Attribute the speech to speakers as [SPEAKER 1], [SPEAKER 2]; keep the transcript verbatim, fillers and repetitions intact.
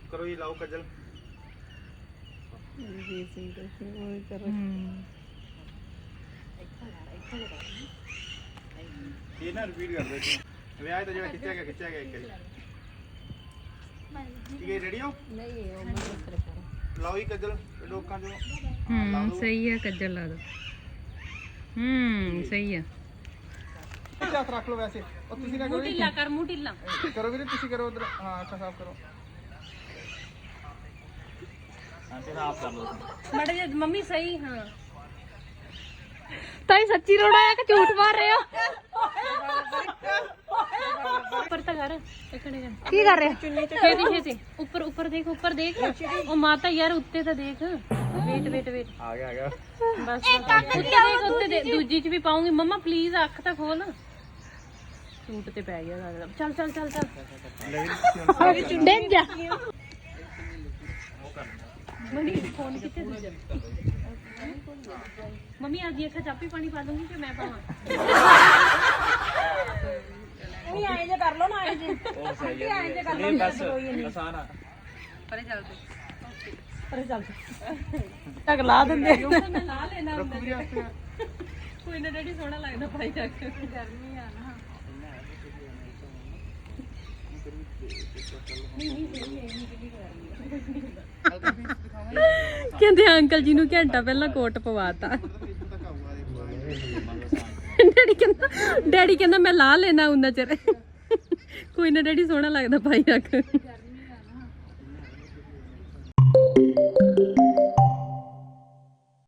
[SPEAKER 1] करो ये लाओ कजल
[SPEAKER 2] जी सिंह वो कर
[SPEAKER 1] ये ना रिपीट कर दो वे आए तो जो खिंचा गया खिंचा गया एक ठीक है रेडी हो
[SPEAKER 2] नहीं वो मत करो
[SPEAKER 1] लाओ ये कजल लोकां जो
[SPEAKER 3] हम्म सही है कज्जल ला दो हम्म सही है
[SPEAKER 1] हाथ रख लो वैसे और ਤੁਸੀਂ ਨਾ ਕਰੋ
[SPEAKER 3] ਢਿੱਲਾ ਕਰ ਮੂੰਹ ਢਿੱਲਾ
[SPEAKER 1] करो ਵੀਰੇ ਤੁਸੀਂ ਕਰੋ ਉਧਰ ਹਾਂ ਅੱਖਾਂ ਸਾਫ਼ ਕਰੋ ਹਾਂ ਤੇ ਸਾਫ਼ ਕਰ ਲਓ
[SPEAKER 3] ਮੜਾ ਜੇ ਮੰਮੀ ਸਹੀ ਹਾਂ
[SPEAKER 2] ਤਾਈ ਸੱਚੀ ਰੋੜਾ ਆ ਕਿ ਝੂਠ ਮਾਰ ਰਹੇ ਹੋ
[SPEAKER 3] ਉੱਪਰ ਤਾਂ ਕਰ ਇਕੜੇ ਕਰ
[SPEAKER 2] ਕੀ ਕਰ ਰਹੇ
[SPEAKER 3] ਛੇਤੀ ਛੇਤੀ ਉੱਪਰ ਉੱਪਰ ਦੇਖ ਉੱਪਰ ਦੇਖ ਉਹ ਮਾਤਾ ਯਾਰ ਉੱਤੇ ਤਾਂ ਦੇਖ ਵੇਟ ਵੇਟ ਵੇਟ
[SPEAKER 1] ਆ ਗਿਆ ਆ ਗਿਆ
[SPEAKER 3] ਬਸ ਉੱਤੇ ਦੇਖ ਉੱਤੇ ਦੇ ਦੂਜੀ ਚ ਵੀ ਪਾਉਂਗੀ ਮੰਮਾ ਪਲੀਜ਼ ਅੱਖ ਤਾਂ ਖੋਲ ਸੂਟ ਤੇ ਪੈ ਗਿਆ ਸਾਰਾ ਚੱਲ ਚੱਲ ਚੱਲ ਚੱਲ
[SPEAKER 2] ਡਿੱਗ ਜਾ
[SPEAKER 3] ਮੰਮੀ ਫੋਨ ਕਿੱਥੇ ਦੂਜਾ ਮੰਮੀ ਅੱਜ ਅੱਖਾਂ ਚਾਪੀ ਪਾਣੀ ਪਾ ਦੂੰਗੀ ਕਿ ਮੈਂ ਪਾਵਾਂ
[SPEAKER 2] ਨਹੀਂ ਆਏ ਜੇ ਕਰ ਲੋ ਨਾ ਆਏ ਜੇ
[SPEAKER 1] ਉਹ ਸਹੀ ਹੈ ਆਏ ਜੇ ਕਰ ਲਓ ਬਸ ਆਸਾਨ ਆ
[SPEAKER 3] ਪਰੇ ਚੱਲ
[SPEAKER 2] ਅਰੇ ਚੱਲ ਤੱਕ ਲਾ ਦਿੰਦੇ
[SPEAKER 3] ਮੈਂ ਲਾ ਲੈਣਾ ਹੁੰਦਾ ਕੋਈ ਨਾ ਡੈਡੀ ਸੋਹਣਾ ਲੱਗਦਾ ਪਾਈ ਰੱਖ ਗਰਮੀ ਆ ਨਾ ਕਹਿੰਦੇ ਅੰਕਲ ਜੀ ਨੂੰ ਘੰਟਾ ਪਹਿਲਾਂ ਕੋਟ ਪਵਾਤਾ ਡੈਡੀ ਕਹਿੰਦਾ ਡੈਡੀ ਕਹਿੰਦਾ ਮੈਂ ਲਾ ਲੈਣਾ ਉਹਨਾਂ ਚਿਰ ਕੋਈ ਨਾ ਡੈਡੀ ਸੋਹਣਾ ਲੱਗਦਾ ਪਾਈ ਰੱਖ